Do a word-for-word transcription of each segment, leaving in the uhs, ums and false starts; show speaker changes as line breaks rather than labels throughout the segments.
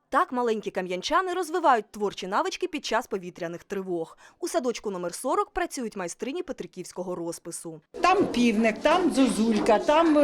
Так маленькі кам'янчани розвивають творчі навички під час повітряних тривог. У садочку номер сорок працюють майстрині петриківського розпису.
Там півник, там зозулька, там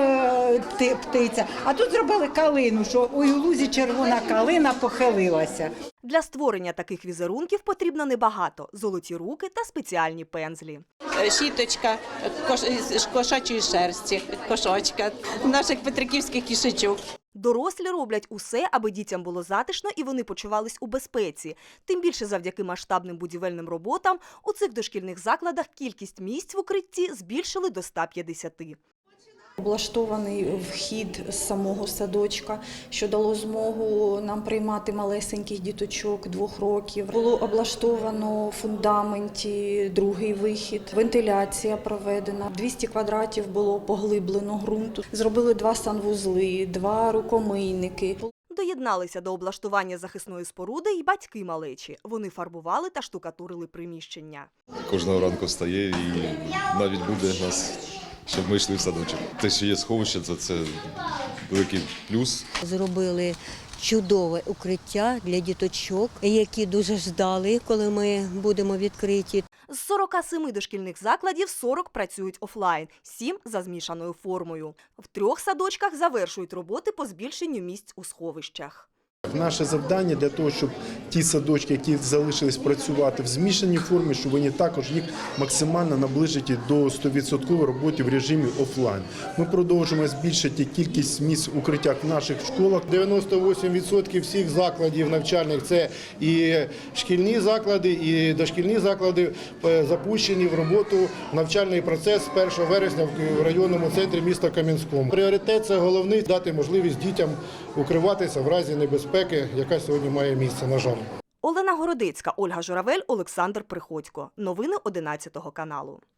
е, птиця. А тут зробили калину, що у лузі червона калина похилилася.
Для створення таких візерунків потрібно небагато – золоті руки та спеціальні пензлі.
Щіточка кош... з кошачої шерсті, кошочка, наших петриківських кішечок.
Дорослі роблять усе, аби дітям було затишно і вони почувались у безпеці. Тим більше завдяки масштабним будівельним роботам у цих дошкільних закладах кількість місць в укритті збільшили до ста п'ятдесяти.
Облаштований вхід з самого садочка, що дало змогу нам приймати малесеньких діточок двох років. Було облаштовано в фундаменті другий вихід, вентиляція проведена. двісті квадратів було поглиблено ґрунту. Зробили два санвузли, два рукомийники.
Доєдналися до облаштування захисної споруди й батьки малечі. Вони фарбували та штукатурили приміщення.
Кожного ранку встає і навіть буде нас, щоб ми йшли в садочок. Те, що є сховище, це, це великий плюс.
Зробили чудове укриття для діточок, які дуже ждали, коли ми будемо відкриті.
З сорока семи дошкільних закладів сорок працюють офлайн, сім за змішаною формою. В трьох садочках завершують роботи по збільшенню місць у сховищах.
Наше завдання для того, щоб ті садочки, які залишились працювати в змішаній формі, щоб вони також їх максимально наближити до сто відсотків роботи в режимі офлайн. Ми продовжуємо збільшити кількість місць укриття в наших школах.
дев'яносто вісім відсотків всіх закладів навчальних – це і шкільні заклади, і дошкільні заклади запущені в роботу навчальний процес з першого вересня в районному центрі міста Кам'янському. Пріоритет – це головний – дати можливість дітям укриватися в разі небезпеки, яка сьогодні має місце, на жаль.
Олена Городецька, Ольга Журавель, Олександр Приходько. Новини одинадцятого каналу.